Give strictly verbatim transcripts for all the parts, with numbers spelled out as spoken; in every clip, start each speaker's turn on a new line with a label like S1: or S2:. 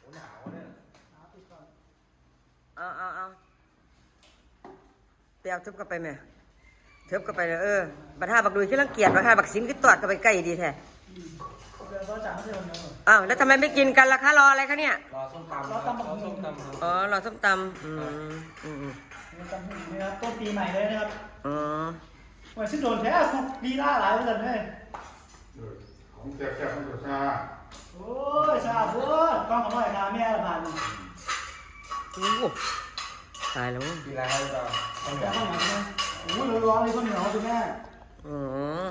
S1: หนาวเนี่ย
S2: เอาเอาเอาไปเอาทึบกันไปไหมทึบกันไปเลยเออบัตรห้าบักดุยขึ้นรังเกียจบัตรห้าบักสิงขึ้นตอดกันไปใกล้ดีแท้อ้าวแล้วทำไมไม่กินกันล่ะคะรออะไรคะเนี่ย
S1: รอส้มตำรอส้มตำรอส้มตำครับ
S2: อ๋อรอส้มตำอืมอืม
S3: นี่ครับต้นปีใหม่เลยนะครับ
S2: อ๋อ
S3: วันสิ้นโดนแท้สุกดีล่าหลายเหมือนกันเลย
S4: ของแซ่บๆของตัวชา
S3: โอ้ยชาพูดกล้องของหน่อยค่ะแม่ละผ่าน
S2: โอ้ตายแล้ว
S1: กินอะไรครับ
S3: ข้าวเหนียวข้าวเหนียวใช่ไหมโอ้ยร้อนเลยข้าวเหนียวคุณแม่
S2: อ๋อ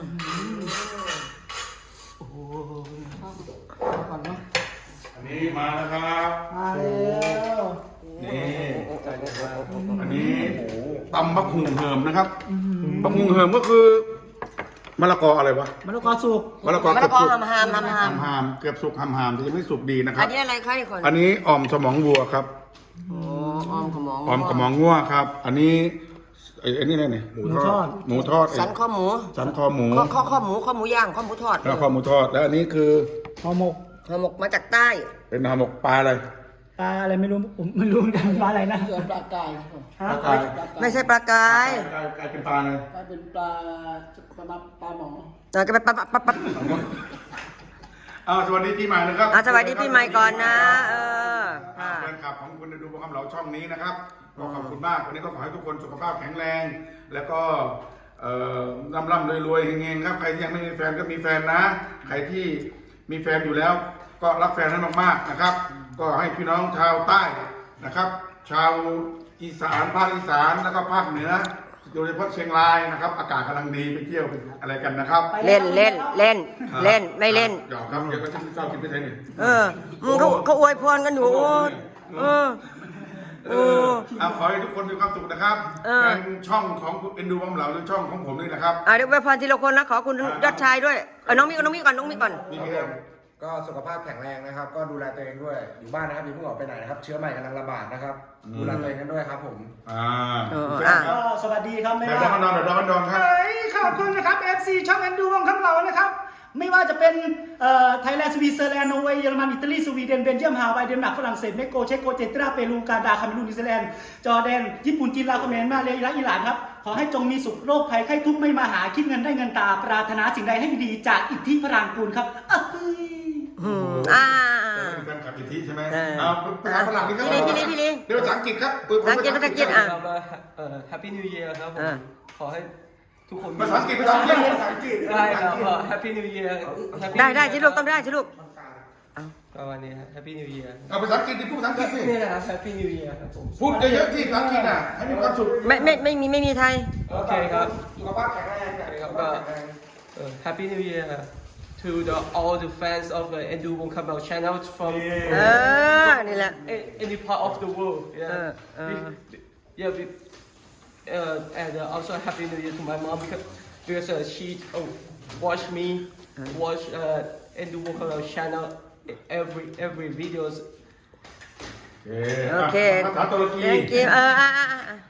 S3: โอ้โหก่อนเนาะ
S4: อันนี้มาแล้วครับ
S3: มาแล้ว
S4: นี่อันนี้ตำบักหุ่งเหิมนะครับบักหุ่งเหิมก็คือมะละกออะไรวะ
S3: มะละกอสุก
S4: มะละกอ
S2: มะละกอหามหามหามหาม
S4: หามเกือบสุกหามหามแต่ยังไม่สุกดีนะครับ
S2: อันนี้อะไรคะนี่คน
S4: อันนี้อ่อมสมองวัวครับ
S2: อ๋อออมขมอง
S4: อ่อมสมองวัวครับ อันนี้ไอ้นี่อะไรเนี่ยหมูทอดหมูทอด
S2: สันข้อหมู
S4: สันคอหมู
S2: ข้อข้อหมูข้อหมูย่างข้อหมูทอด
S4: แล้วข้อหมูทอดแล้วอันนี้คือ
S3: ห่อหมก
S2: ห่อหมกมาจากใต้
S4: เป็นห่อหมกปลาอะไร
S3: ปลาอะไรไม่รู้ผมไม่รู้เหมือนกันปลาอะไรนะ
S5: ปลากาย
S4: ปลากาย
S2: ไม่ใช่ปลากาย
S4: กายเป็นปลาอะไร
S5: กลายเป็นปลาปลาปลาหมอ
S2: เราจะไปปลาปลาปลา
S4: เอาสวัสดีปีใหม่นะครับ
S2: สวัสดีปีใหม่ก่อนนะเออ
S4: แฟนคลับของคุณดูโปรแกรมเราช่องนี้นะครับก็ขอบคุณมากวันนี้ก็ขอให้ทุกคนสุขภาพแข็งแรงแล้วก็ร่ำร่ำรวยรวยเฮงๆครับใครที่ยังไม่มีแฟนก็มีแฟนนะใครที่มีแฟนอยู่แล้วก็รักแฟนให้มากๆนะครับก็ให้พี่น้องชาวใต้นะครับชาวอีสานภาคอีสานแล้วก็ภาคเหนือโดยเฉพาะเชียงรายนะครับอากาศกำลังดีไปเที่ยวอะไรกันนะครับ
S2: เล่นเล่นเล่นเล่นไม่เล่น
S4: หยอกครับเดี๋ยวก็จะชอบกินไปไทยนี่
S2: เออมึงเขาเขาอวยพรกันอยู่เออ
S4: เออเอาขอให้ทุกคนมีความสุขนะครับแฟนช่องของเอ็นดูบ้องเหลาหรือช่องของผมนี่นะครับ
S2: อ่าเดี๋ยวอวยพรทีละคนนะขอคุณยอดชายด้วยเออน้องมีก่อนน้องมีก่อนน้องมีก่อน
S1: ก็สุขภาพแข็งแรงนะครับก็ดูแลตัวเองด้วยอยู่บ้านนะครับอย่าเพิ่งออกไปไหนนะครับเชื้อใหม่กำลังระบาดนะครับดูแลตัวเองกันด้วยครับผม
S4: อ่า
S3: ก็สวัสดีครับแม่
S4: ดอนดอนดอนดอนครับ
S3: ขอบคุณนะครับ เอฟ ซี ช่องแอนดูวงคำเหลานะครับไม่ว่าจะเป็นไทยแลนด์สวีเซอร์แลนด์นอร์เวย์เยอรมันอิตาลีสวีเดนเบลเยียมฮาวายเดนมาร์กฝรั่งเศสเม็กซิโกเช็กโกเจตราเปรูกาดาคาเมรูนนิวซีแลนด์จอร์แดนญี่ปุ่นจีนลาวเขมรมาเลและอิหร่านครับขอให้จงมีสุขโรคภัยไข้ทุกข์ไม่มาหาคิดเงินได้เงินตาปรารถนาสิ่งใดให้ดีจากอิทธิพรางกูลครับ
S2: อ่า
S4: เป็นการขับอิทธิใช่ไหมเอาภาษาฝรั่งนี่ก็
S2: พี่ลีพี่ลี
S4: เดี๋ยวภาษาอังกฤษครับ
S2: ภาษาอังกฤษภาษาอังกฤษอ่ะ
S5: เอ่อ Happy New Year ครับผมขอให้ทุกคน
S4: ภาษาอังกฤษภาษาอังกฤษภาษาอังกฤษ
S5: ได้ครับ Happy New Year
S2: ได้ได้ชิลูกต้องได้ชิลูก
S5: ประมาณนี้ครับ Happy New Year
S4: เอาภาษาอังกฤษที่พูดภาษาอังกฤษสิ
S5: นี่นะครับ Happy New Year ครับผม
S4: พูดเยอะๆที่ภาษาอังกฤษอ่ะให้มีความสุข
S2: ไม่ไม่ไม่มีไม่มีไทย
S5: โอเคครับ
S4: สุขภาพแข็งแรง
S5: ครับก็ Happy New Year to the all the fans of the Endu Wong Kamau channel from
S2: เออนี่แหละ
S5: any part of the world yeah yeah we, uh, and uh, also Happy New Year to my mom because because uh, she oh, watch me watch uh, Endu Wong Kamau channel every every videos
S2: โอเค
S4: ภาษาตุรกี
S2: thank you เอออ่ะอ่ะอ่ะ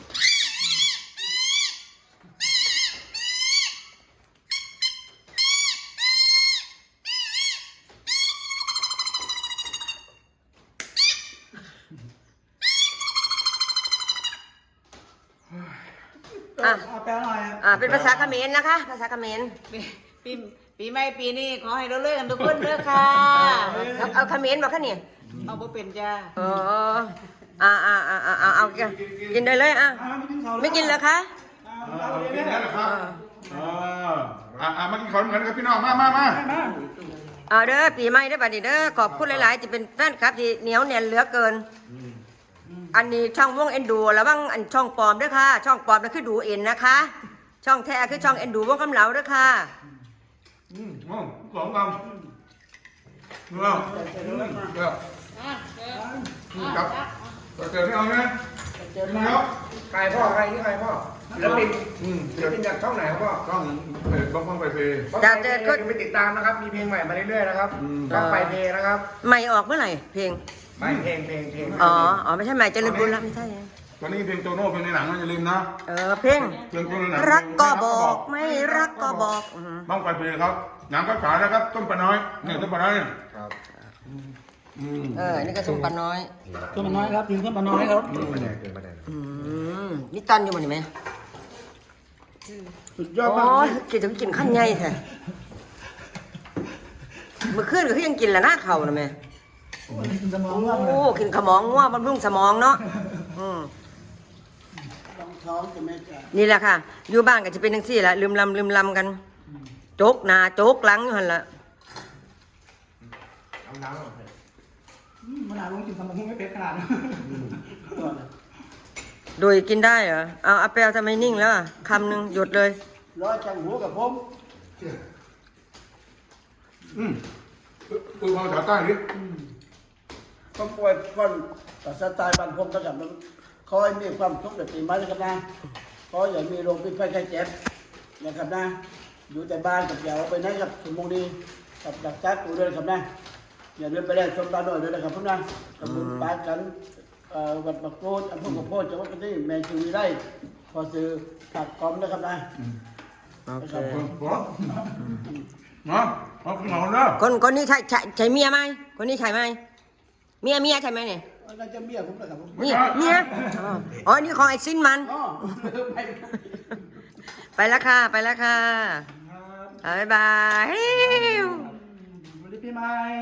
S3: อ่ะแปลหน่อย
S2: อ่าเป็นภาษาเขมรนะคะภาษาเขมร
S6: ปีปีใหม่ปีนี้ขอให้เราเลิกกันทุกคนเด้อค่ะ
S2: เอาเขมรบอกค่ะนี่
S6: เอาบ่เป็นจ้า
S2: อ๋ออ่าอ่าอ่าอ่าเอากินได้เลยอ่ะไม่กินเหรอคะ
S4: กินแล้วครับอ่าอ่ามากินข้าวกันครับพี่น้องมามามา
S2: เอาเด้อปีใหม่เด้อบัดนี้เด้อขอบคุณหลายๆจะเป็นแฟนคลับที่เหนียวแน่นเหลือเกินอันนี้ช่องวงเอ็นดูแล้วบ้างอันช่องปลอมด้วยค่ะช่องปลอมนั่นคือดูเอ็นนะคะช่องแท้คือช่องเอ็นดูวงคำเหลาด้วยค่ะ
S4: อืมอ๋อสองคำเนื้อเดี๋ยวครับเจอไม่เอาไหมเจอไม่เอา
S1: ใครพ่อใครนี่ใครพ่อแล้วเป็นอืมแล้วเป็นจากช่องไหนครับพ่อ
S4: ช่องเพจบ้องบ้องไปเพย์
S1: จะเจอก็ไปติดตามนะครับมีเพลงใหม่มาเรื่อยๆนะครับช่องไปเพย์นะครับ
S2: ใหม่ออกเมื่อไหร่เพลง
S1: ไม่เพลงเพลงเพลง
S2: อ๋ออ๋อไม่ใช่ใหม่เจริญบุญแล้วไม่ใช่
S4: ตอนนี้เพลงโตโน่เพลงในหนังนะอย่าลืมนะ
S2: เออเพลงรักก็บอกไม่รักก็บอก
S4: บ้องไปเพย์ครับหนังก็ฉายนะครับต้นปลาน้อยเนี่ยต้นปลาน้อย
S1: ครับ
S4: อืม
S2: เออนี่ก็ส้มปลาน้อย
S3: ตัวมันน้อยครับทีมตัวมันน้อยครับ
S1: ปลาแดงเกินปลาแดง
S2: อืมนี่ตันอยู่บ่นี่ไหม
S3: สุดยอด
S2: โอ้
S3: มาก
S2: ยกินถึงกินขั้นใหญ่แท้เมื่อคืนก็คือยังกินละหน้าเข่านะแม่
S3: โอ้ยกินสมองมากเลย
S2: โอ้กินขมองง่วงบำรุงสมองเนาะอืม
S3: ลองท้องจะไม่จ่าย
S2: นี่แหละค่ะ อยู่บ้านก็จะเป็นจังซี่แหละลืมลำลืมลำกันโจกหน้าโจกหลังอยู่หั่นล่ะ
S1: เอาน้ำออกไป
S3: มันอาจลงกินสมองไม่เป็นขนาดนั้น
S2: โดยกินได้เหรอเอาเอาไปเอาทำไมนิ่งแล้วอะคำหนึ่งหยุดเลย
S3: ร้อยจังหัวกับผม
S4: อืมปืนภาษาใต้ดิ
S3: ต้องป่วยคนแต่สไตล์บ้านผมก็แบบนั้นขอให้มีความทุกข์แบบปีใหม่นะครับนะขออย่ามีโรคพิษภัยไข้เจ็บนะครับนะอยู่แต่บ้านกับอย่าออกไปไหนกับสมองดีกับดักจักตัวด้วยนะครับนะอย่าเดินไปแลกชมตาหน่อยด้วยนะครับพวกนะกับบุญปากันเอ่อวัดบักโกดอำเภอกับโพธิ์จังหวัดกาฬสินธุ์แมนจูรีไร่พอซื้อผักกอมนะครับนะ
S2: โอเค
S4: เออบอกนะเอาขึ้นมาเด้อ
S2: คนคนนี้ใช่ใช่ใช่เมียไหมคนนี้ใช่ไหมเมียเมียใช่ไหมเนี่ย
S3: น่าจะเมียผมนะครับผม
S2: เมียเมียอ๋ออ๋อนี่ของไอ้ซินมัน
S3: อ๋อไป
S2: ไปแล้วค่ะไปแล้วค่ะบ๊ายบาย
S3: สวัสดีปีใหม่